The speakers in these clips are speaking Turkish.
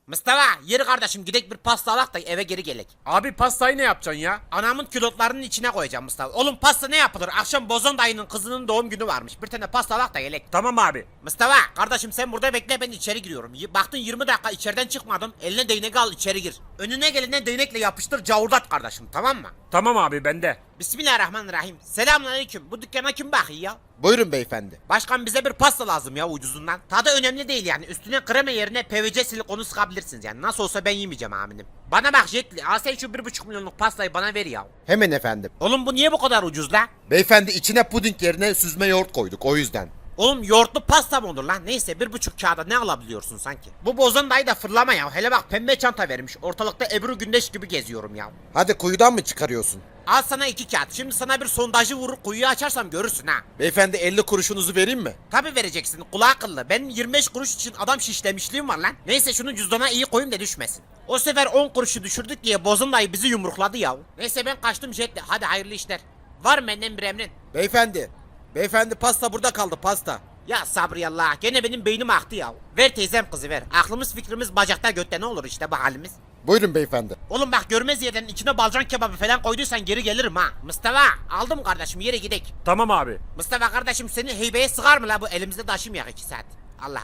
Mustafa yürü kardeşim gidek bir pasta alak da eve geri gelek. Abi pastayı ne yapacaksın ya? Anamın külotlarının içine koyacağım Mustafa. Oğlum pasta ne yapılır? Akşam Bozon dayının kızının doğum günü varmış. Bir tane pasta alak da gelek. Tamam abi. Mustafa kardeşim sen burada bekle, ben içeri giriyorum. Baktın 20 dakika içeriden çıkmadın. Eline değnek al, içeri gir. Önüne gelene değnekle yapıştır, cavurdat kardeşim, tamam mı? Tamam abi bende. Bismillahirrahmanirrahim. Selamünaleyküm. Bu dükkana kim bakıyor ya? Buyurun beyefendi. Başkan bize bir pasta lazım ya, ucuzundan. Tadı önemli değil yani. Üstüne krema yerine PVC silikonu sıkabilirsiniz yani. Nasıl olsa ben yemeyeceğim aminim. Bana bak Jetli, al sen şu 1,5 milyonluk pastayı bana ver ya. Hemen efendim. Oğlum bu niye bu kadar ucuz la? Beyefendi içine puding yerine süzme yoğurt koyduk o yüzden. Oğlum yoğurtlu pasta mı olur lan? Neyse 1,5 kağıda ne alabiliyorsun sanki? Bu Bozon dayı da fırlama ya. Hele bak pembe çanta vermiş. Ortalıkta Ebru Gündeş gibi geziyorum ya. Hadi kuyudan mı çıkarıyorsun? Al sana 2 kağıt. Şimdi sana bir sondajı vurur kuyuyu açarsam görürsün ha. Beyefendi 50 kuruşunuzu vereyim mi? Tabi vereceksin, kulağı akıllı. Benim 25 kuruş için adam şişlemişliğim var lan. Neyse şunu cüzdana iyi koyayım da düşmesin. O sefer 10 kuruşu düşürdük diye Bozon dayı bizi yumrukladı ya. Neyse ben kaçtım Jet'le. Hadi hayırlı işler. Var mı benden bir emrin? Beyefendi. Beyefendi pasta burada kaldı pasta. Ya sabriyallah, gene benim beynim aktı ya. Ver teyzem kızı ver. Aklımız fikrimiz bacakta götte, ne olur işte bu halimiz. Buyurun beyefendi. Oğlum bak görmez yerden içine balcan kebabı falan koyduysan geri gelirim ha. Mustafa aldım kardeşim, yere gidek. Tamam abi. Mustafa kardeşim seni heybeye sığar mı la bu, elimizde taşımayak 2 saat. Allah.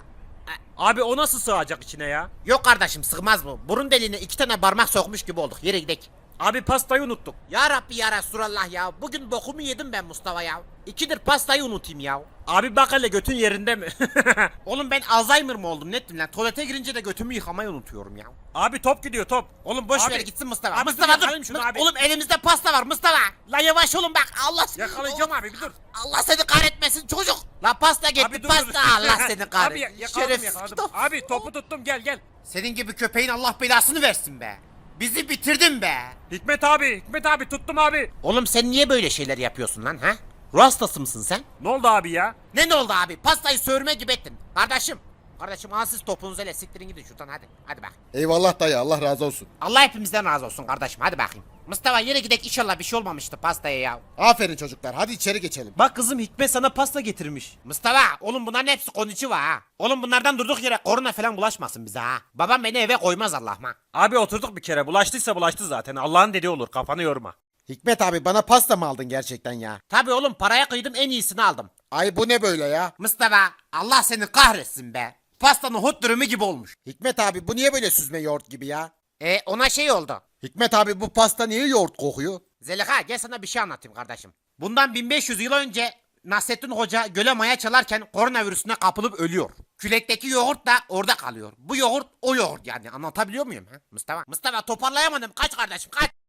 Abi o nasıl sığacak içine ya? Yok kardeşim sığmaz bu. Burun deliğine 2 tane parmak sokmuş gibi olduk, yere gidek. Abi pastayı unuttuk. Ya Rabbi ya Resulallah ya. Bugün bokumu yedim ben Mustafa ya. 2'dir pastayı unutayım ya. Abi bak hele götün yerinde mi? Oğlum ben Alzheimer mı oldum nettim lan. Tuvalete girince de götümü yıkamayı unutuyorum ya. Abi top gidiyor top. Oğlum boş Abi- ver gitsin Mustafa. Abi Mustafa dur, dur. yakalayayım şunu abi. Oğlum elimizde pasta var Mustafa. La yavaş olun bak. Allah Yakalayacağım abi bir dur. Allah seni kahretmesin çocuk. La pasta gitti Abi dur, pasta. dur. Allah seni Abi kahretsin. yakaladım Şerefsiz yakaladım. kitap. Abi topu tuttum gel. Senin gibi köpeğin Allah belasını versin be. Bizi bitirdin be. Hikmet abi tuttum abi. Oğlum sen niye böyle şeyler yapıyorsun lan ha? Ruh hastası mısın sen? Ne oldu abi ya? Ne oldu abi? Pastayı sövürme gibi ettin. Kardeşim al siz topunuzu ele, siktirin gidin şuradan hadi. Hadi bak. Eyvallah dayı Allah razı olsun. Allah hepimizden razı olsun kardeşim, hadi bakayım. Mustafa yere gidek, inşallah bir şey olmamıştı pastaya ya. Aferin çocuklar hadi içeri geçelim. Bak kızım Hikmet sana pasta getirmiş. Mustafa oğlum bunların hepsi konnichiwa ha. Oğlum bunlardan durduk yere korona falan bulaşmasın bize ha. Babam beni eve koymaz Allah'ıma. Abi oturduk bir kere bulaştıysa bulaştı zaten. Allah'ın dediği olur kafanı yorma. Hikmet abi bana pasta mı aldın gerçekten ya? Tabi oğlum, paraya kıydım, en iyisini aldım. Ay bu ne böyle ya? Mustafa Allah seni kahretsin be. Pastanın hot dürümü gibi olmuş. Hikmet abi bu niye böyle süzme yoğurt gibi ya? Ona şey oldu. Hikmet abi bu pasta niye yoğurt kokuyor? Zeliha gel sana bir şey anlatayım kardeşim. Bundan 1500 yıl önce Nasrettin Hoca göle maya çalarken koronavirüsüne kapılıp ölüyor. Külekteki yoğurt da orada kalıyor. Bu yoğurt o yoğurt yani, anlatabiliyor muyum ha Mustafa? Mustafa toparlayamadım, kaç kardeşim kaç.